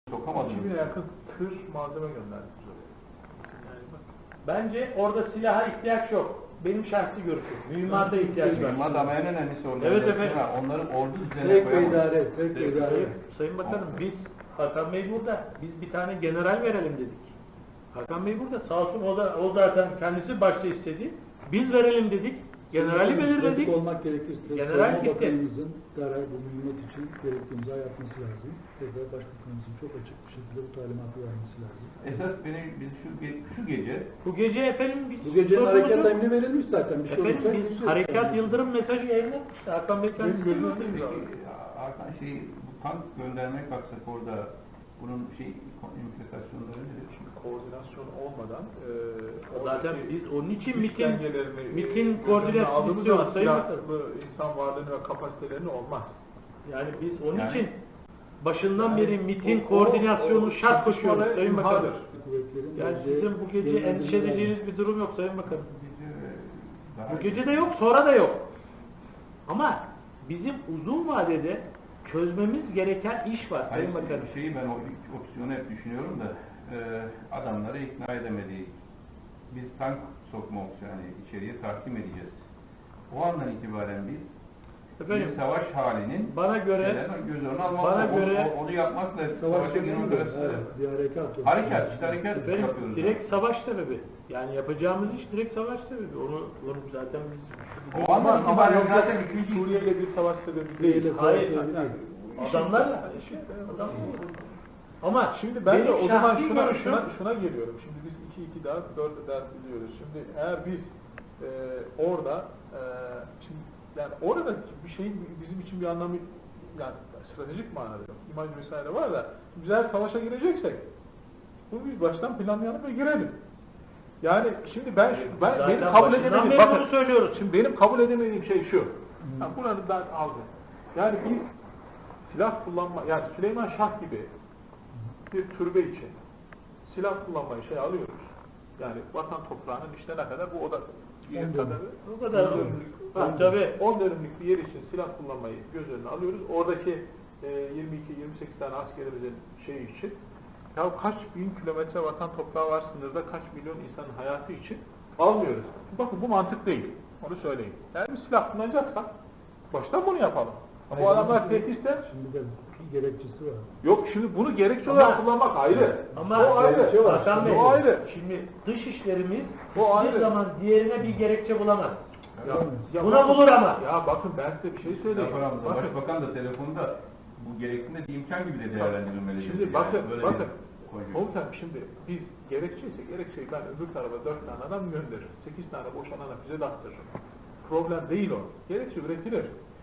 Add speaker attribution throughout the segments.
Speaker 1: Sokamadınız.
Speaker 2: 2000'e yakın tır malzeme gönderdik biz oraya. Yani bak,
Speaker 3: Bence orada silaha ihtiyaç yok. Benim şahsi görüşüm. Mühimmata ihtiyaç var.
Speaker 1: Mühimmat ama en önemlisi orada.
Speaker 3: Evet efendim.
Speaker 1: Onların ordu düzenine
Speaker 4: Sevk ve
Speaker 1: koyamadık.
Speaker 4: idare, sevk ve idare.
Speaker 3: Sayın Bakanım biz, Hakan Bey burada. Biz bir tane general verelim dedik. Hakan Bey burada. Sağ olsun o zaten kendisi başta istedi. Biz verelim dedik. Generali belirledik.
Speaker 4: Pratik olmak gerekirse
Speaker 3: General
Speaker 4: Savunma
Speaker 3: gitti.
Speaker 4: Bakanımızın derhal bu mühimmat için gerekli imza yapması lazım. Tekrar Başbakanımızın çok açık bir şekilde bu talimatı vermesi lazım.
Speaker 1: Esas biz şu gece
Speaker 3: Bu gece efendim biz
Speaker 4: Bu gecenin
Speaker 3: sorumuz
Speaker 4: harekat
Speaker 3: yok.
Speaker 4: emri verilmiş zaten. Bir şey
Speaker 3: Efendim
Speaker 4: olursa
Speaker 3: biz
Speaker 4: gideceğiz.
Speaker 3: harekat yıldırım mesajı yayınlamıştı. Hakan Bey kendisi
Speaker 2: Benim
Speaker 3: gördü.
Speaker 2: gözümde
Speaker 1: Hakan bu tank göndermek baksak orada bunun implikasyonları nedir?
Speaker 2: şimdi koordinasyon olmadan
Speaker 3: Zaten
Speaker 2: oradaki
Speaker 3: biz onun için
Speaker 2: güç
Speaker 3: MİT'in
Speaker 2: dengelerini
Speaker 3: koordinasyonu
Speaker 2: aldığımız
Speaker 3: istiyoruz
Speaker 2: zaman
Speaker 3: Sayın Bakanım.
Speaker 2: silahlı insan varlığını ve kapasitelerini olmaz.
Speaker 3: Yani biz onun
Speaker 1: Yani-
Speaker 3: için başından
Speaker 2: Yani
Speaker 3: beri MİT'in
Speaker 2: o-
Speaker 3: koordinasyonu
Speaker 2: o
Speaker 3: şart koşuyoruz
Speaker 2: çatışmalar
Speaker 3: Sayın Bakanım.
Speaker 2: imhadır.
Speaker 4: Kuvvetlerin
Speaker 3: Yani
Speaker 4: bence
Speaker 3: sizin bu gece
Speaker 4: yönlendirmeleri
Speaker 3: endişe
Speaker 4: lazım.
Speaker 3: edeceğiniz bir durum yok Sayın Bakanım.
Speaker 1: Daha
Speaker 3: Bu gece de yok, sonra da yok. Ama bizim uzun vadede çözmemiz gereken iş var Sayın Bakanım.
Speaker 1: Ben o opsiyonu hep düşünüyorum da adamları ikna edemedik. Biz tank sokma opsiyonu içeriye tahkim edeceğiz. O andan itibaren biz
Speaker 3: Efendim,
Speaker 1: bir savaş halinin
Speaker 3: bana göre
Speaker 1: göz önüne almak,
Speaker 3: bana göre-
Speaker 1: onu yapmakla
Speaker 4: Savaş
Speaker 1: savaşa girmek
Speaker 4: yönünde,
Speaker 1: arasında
Speaker 4: evet, bir harekat.
Speaker 1: harekat
Speaker 3: efendim,
Speaker 1: yapıyoruz.
Speaker 3: direkt savaş sebebi. Yani yapacağımız iş direkt savaş sebebi. Onu zaten biz
Speaker 1: O andan itibaren zaten
Speaker 2: Çünkü
Speaker 1: 3.
Speaker 2: Suriye ile bir savaş sebebi
Speaker 4: Değil,
Speaker 2: değil.
Speaker 3: hayır,
Speaker 4: yani,
Speaker 3: adamlarla adam. Ama
Speaker 2: Şimdi ben de
Speaker 3: benim
Speaker 2: o zaman
Speaker 3: şahsi görüşüm
Speaker 2: şuna geliyorum. Şimdi biz 2-2 daha 4 ders biliyoruz. Şimdi eğer biz orada şimdi yani orada bir şeyin bizim için bir anlamı yani stratejik manada yok. İmaj vesaire var da güzel savaşa gireceksek bunu biz baştan planlayalım ve girelim. Yani şimdi benim
Speaker 3: zaten
Speaker 2: kabul
Speaker 3: başından
Speaker 2: edemediğim
Speaker 3: beri bunu söylüyoruz.
Speaker 2: Şimdi benim kabul edemediğim şey şu. Yani bunu ben aldım. Yani biz silah kullanma yani Süleyman Şah gibi bir türbe için silah kullanmayı alıyoruz. Yani vatan toprağının işte ne kadar bu oda yer kadarı.
Speaker 3: O kadar. Tabii.
Speaker 2: 10 dönümlük bir yer için silah kullanmayı göz önüne alıyoruz. Oradaki 22-28 tane askerimizin şeyi için ya kaç bin kilometre vatan toprağı var sınırda kaç milyon insanın hayatı için almıyoruz. Bakın bu mantık değil. Onu söyleyeyim. Eğer bir silah kullanacaksak baştan bunu yapalım.
Speaker 4: Hayır,
Speaker 2: Bu adamlar tehditse
Speaker 4: Şimdi de bir gerekçesi var.
Speaker 2: yok şimdi bunu gerekçe
Speaker 3: Ama-
Speaker 2: olarak kullanmak ayrı.
Speaker 3: Ama
Speaker 2: o ayrı.
Speaker 4: gerekçe var.
Speaker 3: Hakan Bey,
Speaker 2: O ayrı.
Speaker 3: şimdi dış işlerimiz
Speaker 2: O
Speaker 3: hiçbir
Speaker 2: ayrı.
Speaker 3: zaman diğerine bir gerekçe bulamaz. Buna
Speaker 2: bakın-
Speaker 3: bulur ama.
Speaker 2: Ya bakın ben size bir şey söyleyeyim.
Speaker 1: Yaparamızda,
Speaker 2: Bakın,
Speaker 1: Başbakan da telefonda bu gerektiğinde bir imkan gibi de değerlendirilmeli.
Speaker 2: şimdi
Speaker 1: dedi.
Speaker 2: bakın,
Speaker 1: Yani böyle
Speaker 2: bakın.
Speaker 1: bir koyuyor.
Speaker 2: Komutanım şimdi biz gerekçeyi ben öbür tarafa 4 tane adam gönderirim. 8 tane boşanana füze de attırırım. Problem değil o. Gerekçe üretilir.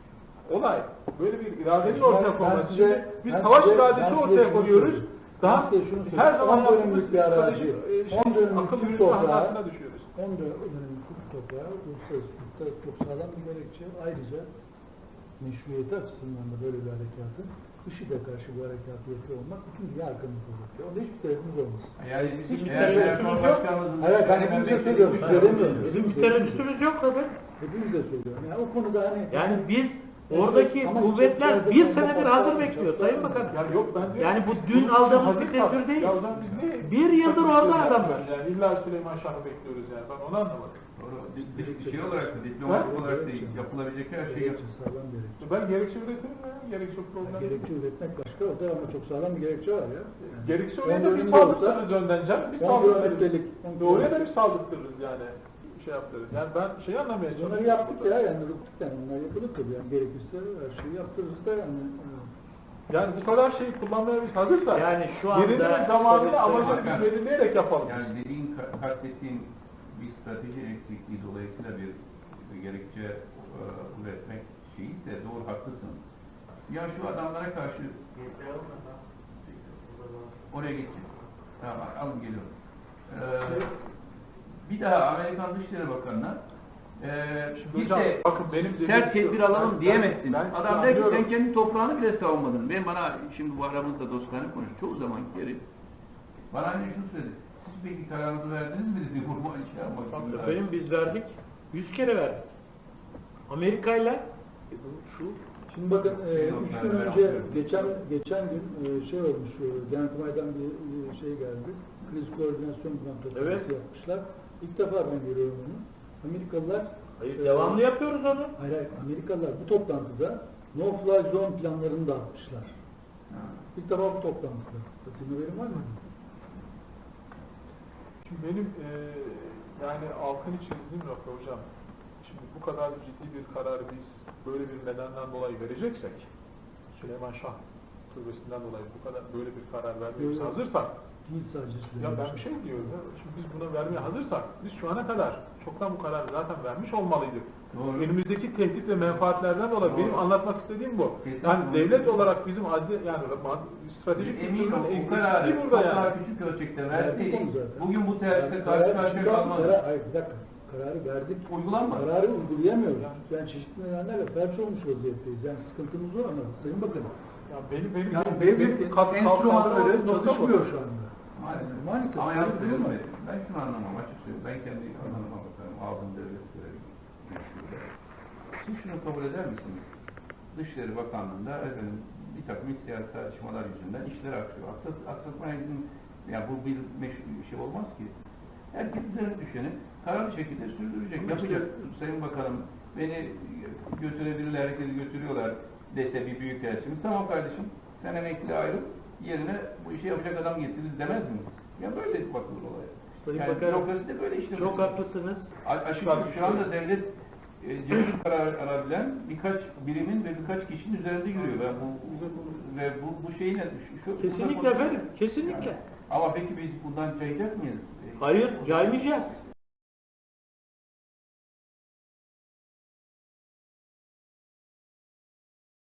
Speaker 2: Olay böyle bir iradenin ortaya konması. Şimdi biz savaş iradesi ortaya koyuyoruz. Daha her zaman yaptığımız
Speaker 4: bir arazi, 10 dönümlük
Speaker 2: akıl
Speaker 4: bir
Speaker 2: yürütme
Speaker 4: toprağı,
Speaker 2: hatasına düşüyoruz.
Speaker 4: 10 dönümlük bir toprağı uluslararası hukukta çok sağlam bir gerekçe. Ayrıca meşruiyeti açısından da böyle bir harekatın IŞİD'e karşı bu harekatı yapıyor olmak bütün dünya arkamızda oluyor. Onda hiçbir tereddütümüz olmaz.
Speaker 1: Yani bizim
Speaker 3: Hiçbir
Speaker 1: eğer
Speaker 3: tereddütümüz yok.
Speaker 1: Başkanımızın...
Speaker 4: Evet, ben hepimize söylüyorum, size demiyorum.
Speaker 3: Bizim bir tereddütümüz yok tabii.
Speaker 4: Hepimize söylüyorum. Yani o konuda hani...
Speaker 3: Yani biz oradaki
Speaker 4: Ama
Speaker 3: kuvvetler
Speaker 4: çok
Speaker 3: bir
Speaker 4: fazla
Speaker 3: senedir
Speaker 4: bomba
Speaker 3: hazır
Speaker 4: patlar,
Speaker 3: bekliyor
Speaker 4: patlar.
Speaker 3: Sayın Bakanım.
Speaker 2: Ya yok ben diyorum.
Speaker 3: Yani bu
Speaker 2: biz
Speaker 3: dün
Speaker 2: bunun
Speaker 3: aldığımız
Speaker 2: hazır
Speaker 3: bir tedbir
Speaker 2: kaldık.
Speaker 3: değil.
Speaker 2: Ya o zaman biz niye?
Speaker 3: Bir yıldır orada
Speaker 2: Yani
Speaker 3: adamlar.
Speaker 2: Yani illa Süleyman Şah'ı bekliyoruz yani. Ben onu anlamadım.
Speaker 1: Doğru. Şey olarak da, diplomatik olarak da yapılabilecek her şey
Speaker 4: Gerekçe sağlam gerekçe.
Speaker 2: Ben gerekçe üretirim ya. Gerekçe problem.
Speaker 4: Gerekçe üretmek başka, o da ama çok sağlam bir gerekçe var ya. Yani
Speaker 2: Gerekçe
Speaker 4: 10
Speaker 2: oraya da bir
Speaker 4: dönümde
Speaker 2: saldırtırız önden canım. Bir
Speaker 4: 10
Speaker 2: saldırtırız.
Speaker 4: kilometrelik.
Speaker 2: Oraya da bir saldırtırız yani. Şey yaptırırız. Yani ben şey anlamaya
Speaker 4: Bunları
Speaker 2: çalışıyorum.
Speaker 4: yaptık ya, yani yaptık yani, bunlar yapılır tabii yani, gerekirse her şeyi yaptırırız da yani.
Speaker 2: Yani bu kadar şeyi kullanmaya biz hazırsak
Speaker 3: Yani şu anda...
Speaker 2: yerinin ve zamanını
Speaker 3: Tabii,
Speaker 2: amacını
Speaker 1: tabii.
Speaker 2: biz belirleyerek yapalım.
Speaker 1: Yani kastettiğin bir strateji eksikliği dolayısıyla bir gerekçe üretmek şeyi ise doğru haklısın. Ya şu adamlara karşı oraya geçeceğiz. Tamam alın geliyorum. Bir daha Amerikan Dışişleri Bakanı'na bir
Speaker 2: hocam,
Speaker 1: de
Speaker 2: bakın benim dediğim
Speaker 1: sert
Speaker 2: şu,
Speaker 1: tedbir alalım
Speaker 2: ben-
Speaker 1: diyemezsin.
Speaker 2: ben sizi
Speaker 1: Adam der ki sen
Speaker 2: anlıyorum.
Speaker 1: kendi toprağını bile savunmadın. Bana şimdi bu aramızda dostlarına konuş. Çoğu zaman geri. Bana hani şunu söyledi. Siz peki kararınızı verdiniz mi dedi. Vurma şey yapmak için.
Speaker 3: Efendim biz verdik. 100 kere verdik. Amerika'yla şu
Speaker 4: Şimdi bakın,
Speaker 1: Benim
Speaker 4: 3 gün
Speaker 1: ben
Speaker 4: önce,
Speaker 1: yapıyorum.
Speaker 4: geçen gün şey olmuş, Genelkurmay'dan bir şey geldi. Kriz koordinasyon toplantısı
Speaker 3: Evet.
Speaker 4: yapmışlar. İlk defa ben görüyorum onu. Amerikalılar,
Speaker 3: Hayır, devamlı yapıyoruz onu.
Speaker 4: hayır, Amerikalılar bu toplantıda no-fly zone planlarını dağıtmışlar.
Speaker 1: Ha.
Speaker 4: İlk defa bu toplantıda. Senin haberin var mı?
Speaker 2: Şimdi benim yani altını çizdiğim nokta hocam, şimdi bu kadar ciddi bir kararı biz böyle bir nedenden dolayı vereceksek, Süleyman Şah türbesinden dolayı bu kadar böyle bir karar vermeye biz
Speaker 4: Evet.
Speaker 2: hazırsak,
Speaker 4: Değil sadece.
Speaker 2: ya ben bir şey diyorum ya, şimdi biz buna vermeye hazırsak, biz şu ana kadar çoktan bu kararı zaten vermiş olmalıydık.
Speaker 1: Doğru.
Speaker 2: Önümüzdeki tehdit ve menfaatlerden dolayı
Speaker 1: Doğru.
Speaker 2: benim anlatmak istediğim bu.
Speaker 1: Kesinlikle
Speaker 2: Yani
Speaker 1: doğru.
Speaker 2: devlet olarak bizim yani stratejik
Speaker 1: Emin ol,
Speaker 2: eksikliği
Speaker 1: bu kararı çok
Speaker 2: burada
Speaker 1: daha
Speaker 2: yani.
Speaker 1: küçük ölçekte
Speaker 4: Verdik
Speaker 1: verseydik,
Speaker 4: onu zaten.
Speaker 1: bugün bu tercihle
Speaker 4: Yani
Speaker 1: karşı
Speaker 4: karar-
Speaker 1: karşıya
Speaker 4: karar-
Speaker 1: kalmazdık.
Speaker 4: Hayır, bir dakika. Kararı verdik.
Speaker 1: Uygulanmadı.
Speaker 4: Kararı uygulayamıyoruz. Yani çeşitli nedenlerle felç olmuş vaziyetteyiz. Yani sıkıntımız var ama Sayın Bakanım.
Speaker 2: Ya benim
Speaker 4: Yani devletin enstrümanları çalışmıyor şu anda.
Speaker 1: Maalesef.
Speaker 4: Maalesef.
Speaker 1: Ama yalnız
Speaker 4: Öyle değil mi?
Speaker 1: verilmedi. Ben şunu anlamam, açık söyleyeyim. Ben kendi alanıma bakarım. Aldığım devlet görevini. Siz şunu kabul eder misiniz? Dışişleri Bakanlığı'nda efendim, bir takım iç siyasi tartışmalar yüzünden işler aksıyor. Aksatmaya izin, yani bu bir şey olmaz ki. Herkes üzerine düşeni kararlı şekilde sürdürecek,
Speaker 4: Ama
Speaker 1: yapacak.
Speaker 4: işte-
Speaker 1: Sayın Bakanım, beni götürebilirler, herkesi götürüyorlar dese bir büyükelçimiz. Tamam kardeşim, sen emekliliğe ayrıl, yerine bu işi yapacak adam getiririz demez miyiz? Ya böyle bakılır olaya.
Speaker 3: Sayın
Speaker 1: Yani
Speaker 3: Bakanım,
Speaker 1: bürokrasi de böyle işlemesi.
Speaker 3: çok haklısınız.
Speaker 1: Açıkçası şu anda devlet cesur karar alabilen birkaç birimin ve birkaç kişinin üzerinde yürüyor. Ve bu şeyin
Speaker 3: Kesinlikle efendim, kesinlikle.
Speaker 1: Ama peki biz bundan cayacak mıyız?
Speaker 3: Hayır, caymayacağız.